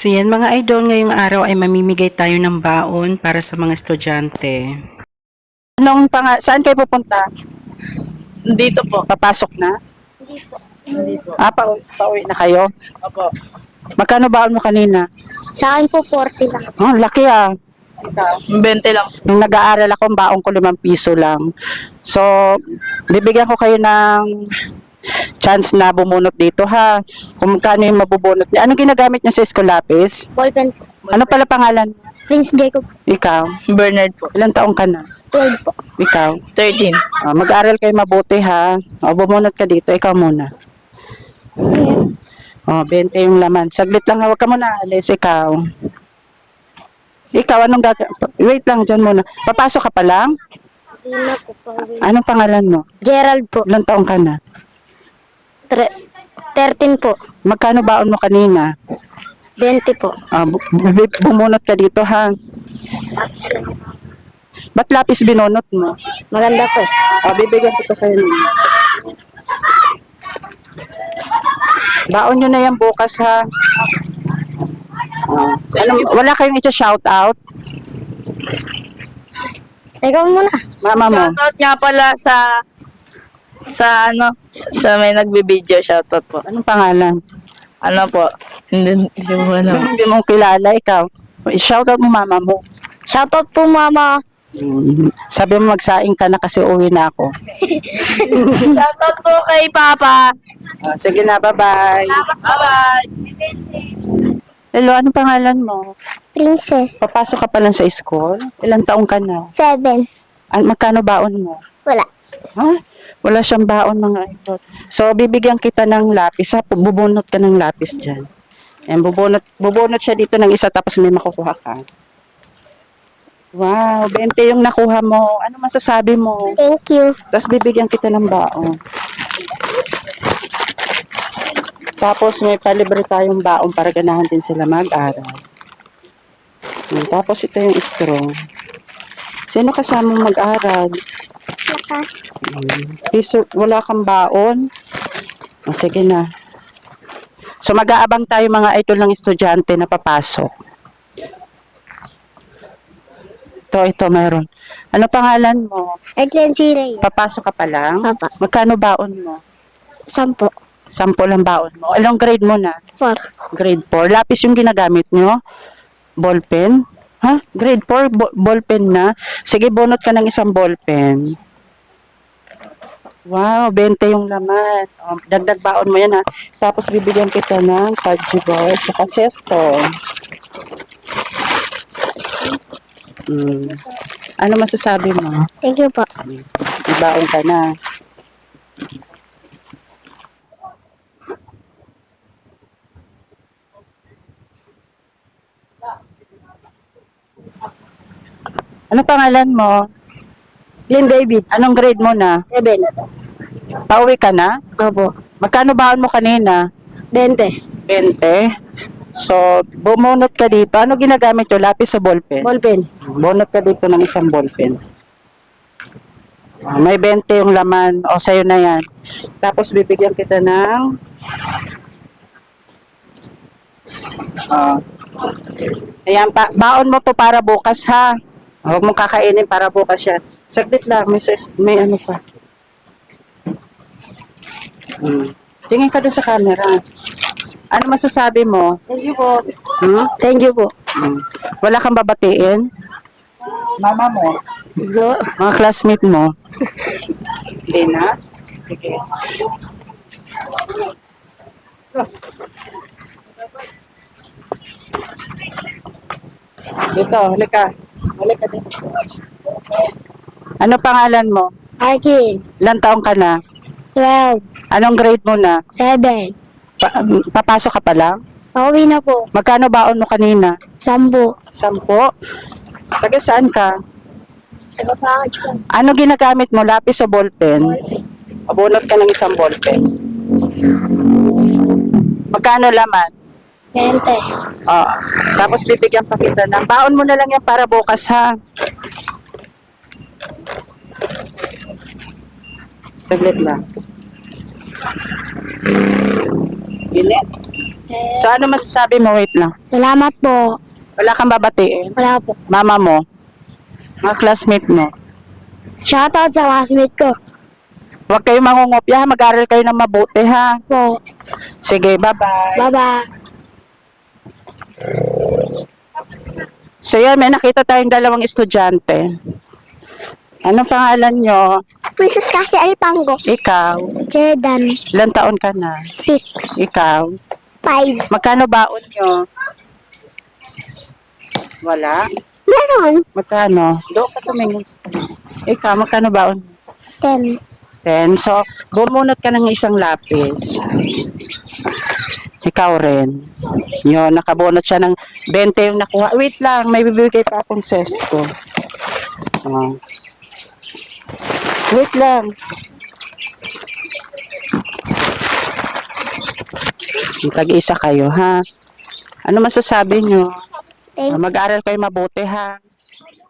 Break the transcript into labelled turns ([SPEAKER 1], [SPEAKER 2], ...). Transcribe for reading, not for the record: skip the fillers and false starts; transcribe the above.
[SPEAKER 1] So yan mga idol, ngayong araw ay mamimigay tayo ng baon para sa mga estudyante.
[SPEAKER 2] Saan kayo pupunta?
[SPEAKER 3] Dito po.
[SPEAKER 2] Papasok na?
[SPEAKER 3] Hindi po.
[SPEAKER 2] Pauwi na kayo?
[SPEAKER 3] Opo.
[SPEAKER 2] Magkano baon mo kanina?
[SPEAKER 4] Sa akin po, 40 lang.
[SPEAKER 2] Oh, laki ah.
[SPEAKER 3] 20 lang.
[SPEAKER 2] Nung nag-aaral ako, ang baon ko 5 piso lang. So, bibigyan ko kayo ng chance na bumunot dito ha. Kung magkano yung mabubunot niya. Anong ginagamit niya sa school lapis?
[SPEAKER 4] Ballpen po.
[SPEAKER 2] Ano pala pangalan?
[SPEAKER 4] Prince Jacob,
[SPEAKER 2] Ikaw?
[SPEAKER 3] Bernard po.
[SPEAKER 2] Ilang taong ka na?
[SPEAKER 4] 12 po.
[SPEAKER 2] Ikaw?
[SPEAKER 3] 13.
[SPEAKER 2] Mag-aaral kayo mabuti ha. Bumunot ka dito. Ikaw muna. 20 yung laman. Saglit lang, huwag ka muna alis. Ikaw. Ikaw, anong wait lang dyan muna. Papasok ka pa lang?
[SPEAKER 4] Hindi na po pauwi.
[SPEAKER 2] Anong pangalan mo?
[SPEAKER 4] Gerald po.
[SPEAKER 2] Ilang taong ka na?
[SPEAKER 4] 13 po.
[SPEAKER 2] Magkano baon mo kanina?
[SPEAKER 4] 20 po.
[SPEAKER 2] Bumunot ka dito ha. Ba't lapis binunot mo?
[SPEAKER 4] Maganda po.
[SPEAKER 2] Bibigyan kita kayo nun. Baon nyo na yan bukas ha. Wala kayong i-shout out?
[SPEAKER 4] Ikaw muna.
[SPEAKER 2] Mama mo?
[SPEAKER 3] Shoutout nga pala sa may nagbibideo. Shoutout po.
[SPEAKER 2] Anong pangalan?
[SPEAKER 3] Ano po? Hindi mo alam.
[SPEAKER 2] Hindi mo kilala, ikaw. I-shout out mo mama mo.
[SPEAKER 4] Shoutout po, mama.
[SPEAKER 2] Sabi mo magsaing ka na kasi uwi na ako.
[SPEAKER 3] Shoutout po kay Papa.
[SPEAKER 2] Sige na, bye-bye.
[SPEAKER 3] Bye-bye.
[SPEAKER 2] Hello, anong pangalan mo?
[SPEAKER 4] Princess.
[SPEAKER 2] Papasok ka pa lang sa school? Ilang taong ka na?
[SPEAKER 4] 7.
[SPEAKER 2] Magkano baon mo?
[SPEAKER 4] Wala.
[SPEAKER 2] Ha? Wala siyang baon mga idol. So, bibigyan kita ng lapis. Ha? Bubunot ka ng lapis dyan. Ayan, bubunot siya dito ng isa tapos may makukuha ka. Wow, 20 yung nakuha mo. Ano masasabi mo?
[SPEAKER 4] Thank you.
[SPEAKER 2] Tapos bibigyan kita ng baon. Tapos may palibre tayong baon para ganahan din sila mag-aral. Tapos ito yung straw. Sino kasama mag-aral? Wala kang baon? Sige na. So mag-aabang tayo mga idol ng estudyante na papasok. Ito meron. Ano pangalan mo?
[SPEAKER 4] Excellency Reyes.
[SPEAKER 2] Papasok ka pa lang?
[SPEAKER 4] Papa.
[SPEAKER 2] Magkano baon mo?
[SPEAKER 4] 10.
[SPEAKER 2] 10 lang baon mo. Anong grade mo na?
[SPEAKER 4] 4.
[SPEAKER 2] Grade 4. Lapis yung ginagamit nyo? Ballpen? Ha? Grade 4? Ballpen na? Sige, bunot ka ng isang ballpen. Wow, 20 yung laman. Dagdag baon mo yan ha. Tapos bibigyan kita ng fudgy bar at sesto. Ano masasabi mo?
[SPEAKER 4] Thank you po.
[SPEAKER 2] Ibaon ka na. Ano pangalan mo?
[SPEAKER 4] Glenn David.
[SPEAKER 2] Anong grade mo na?
[SPEAKER 4] 7.
[SPEAKER 2] Pauwi ka na?
[SPEAKER 4] Opo.
[SPEAKER 2] Magkano baon mo kanina?
[SPEAKER 4] 20.
[SPEAKER 2] 20. So, bumunot ka dito. Ano ginagamit yung lapis o ballpen?
[SPEAKER 4] Ballpen.
[SPEAKER 2] Bunot ka dito ng isang ballpen. May 20 yung laman. O, sa'yo na yan. Tapos, bibigyan kita ng... Ayan, baon mo to para bukas, ha? Huwag mong kakainin para bukas yan. Saglit lang, may ano pa. Tingin ka doon sa camera. Ano masasabi mo?
[SPEAKER 4] Thank you po.
[SPEAKER 2] Thank you po. Wala kang babatiin? Mama mo? Mga classmate mo? Hindi na? Sige. Dito, halika. Halika dito. Ano pangalan mo?
[SPEAKER 4] Arkin.
[SPEAKER 2] Ilang taong ka na?
[SPEAKER 4] 12.
[SPEAKER 2] Anong grade mo na?
[SPEAKER 4] 7.
[SPEAKER 2] Papasok ka pa lang?
[SPEAKER 4] Pauwi na po.
[SPEAKER 2] Magkano baon mo kanina?
[SPEAKER 4] 10.
[SPEAKER 2] 10? Taga saan ka?
[SPEAKER 4] Nagpapakit po.
[SPEAKER 2] Ano ginagamit mo? Lapis o ballpen? Abunot ka ng isang ballpen. Magkano laman?
[SPEAKER 4] 20.
[SPEAKER 2] Tapos bibigyan pa kita ng baon mo na lang yan para bukas ha. Saglit lang. Init. So, ano masasabi mo? Wait lang.
[SPEAKER 4] Salamat po.
[SPEAKER 2] Wala kang babatiin?
[SPEAKER 4] Wala po.
[SPEAKER 2] Mama mo? Mga classmate mo?
[SPEAKER 4] Shoutout sa classmate ko.
[SPEAKER 2] Huwag kayong mangungopya, ha? Mag-aral kayo ng mabuti, ha?
[SPEAKER 4] Po.
[SPEAKER 2] Sige, bye-bye.
[SPEAKER 4] Bye-bye.
[SPEAKER 2] So, yan, may nakita tayong dalawang estudyante. Anong pangalan nyo?
[SPEAKER 4] Princess Cassie Alipango.
[SPEAKER 2] Ikaw?
[SPEAKER 4] Jordan.
[SPEAKER 2] Ilan taon ka na?
[SPEAKER 4] 6.
[SPEAKER 2] Ikaw?
[SPEAKER 4] 5.
[SPEAKER 2] Magkano baon nyo? Wala?
[SPEAKER 4] Meron.
[SPEAKER 2] Magkano? Doon ka tumingin. Ikaw, magkano baon?
[SPEAKER 4] 10.
[SPEAKER 2] 10. So, bumunot ka ng isang lapis. Ikaw rin. Yun, nakabunot siya ng 20 yung nakuha. Wait lang, may bibigay pa akong sesto. Oh. Wait lang. Tag-isa kayo, ha? Ano masasabi nyo?
[SPEAKER 4] Thank
[SPEAKER 2] Mag-aral kayo mabuti, ha?